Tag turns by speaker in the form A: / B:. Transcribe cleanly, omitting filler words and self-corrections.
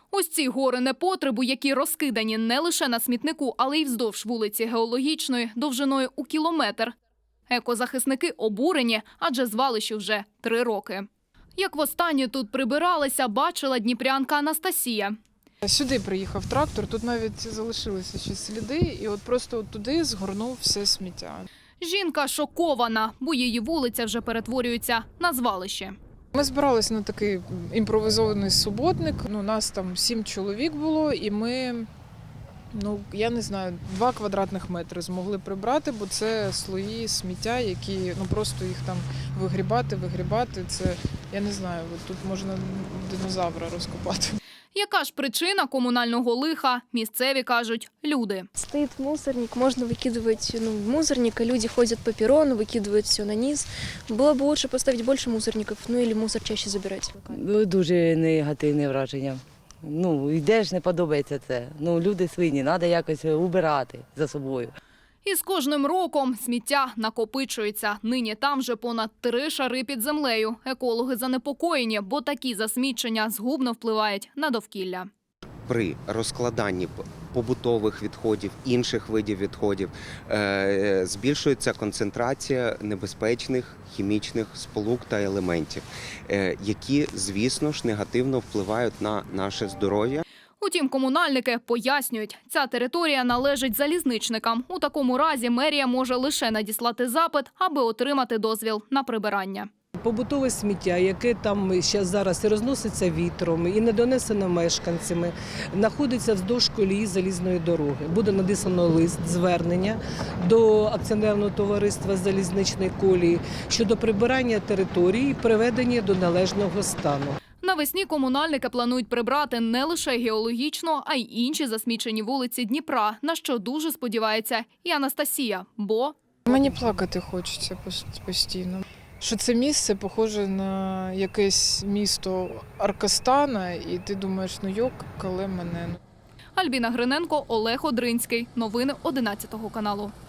A: Ось ці гори непотребу, які розкидані не лише на смітнику, але й вздовж вулиці Геологічної, довжиною у кілометр. Екозахисники обурені, адже звалищу вже 3 роки. Як востаннє тут прибиралися, бачила дніпрянка Анастасія.
B: Сюди приїхав трактор, тут навіть залишилися ще сліди, і от просто туди згорнув все сміття.
A: Жінка шокована, бо її вулиця вже перетворюється на звалище.
B: Ми збиралися на такий імпровізований суботник. Нас там 7 чоловік було, і ми, я не знаю, 2 квадратних метри змогли прибрати, бо це слої сміття, які просто їх там вигрібати. Це, я не знаю, тут можна динозавра розкопати.
A: Яка ж причина комунального лиха? Місцеві кажуть – люди.
C: Стоит мусорник, можно выкидывать в мусорник, а люди ходят по перрону, выкидывают все на низ. Было бы лучше поставить больше мусорников, или мусор чаще забирать.
D: Дуже негативне враження. Йдеш, не подобається це. Люди свині, треба якось убирати за собою.
A: І з кожним роком сміття накопичується. Нині там вже понад 3 шари під землею. Екологи занепокоєні, бо такі засмічення згубно впливають на довкілля.
E: При розкладанні побутових відходів, інших видів відходів збільшується концентрація небезпечних хімічних сполук та елементів, які, звісно ж, негативно впливають на наше здоров'я.
A: Утім, комунальники пояснюють, ця територія належить залізничникам. У такому разі мерія може лише надіслати запит, аби отримати дозвіл на прибирання.
F: Побутове сміття, яке там зараз і розноситься вітром, і не донесено мешканцями, знаходиться вздовж колії залізної дороги. Буде надіслано лист, звернення до акціонерного товариства залізничної колії щодо прибирання території і приведення до належного стану.
A: Навесні комунальники планують прибрати не лише Геологічну, а й інші засмічені вулиці Дніпра, на що дуже сподівається і Анастасія, бо...
B: Мені плакати хочеться постійно. Що це місце похоже на якесь місто Аркастана, і ти думаєш, йок, коли мене.
A: Альбіна Гриненко, Олег Одринський. Новини 11 каналу.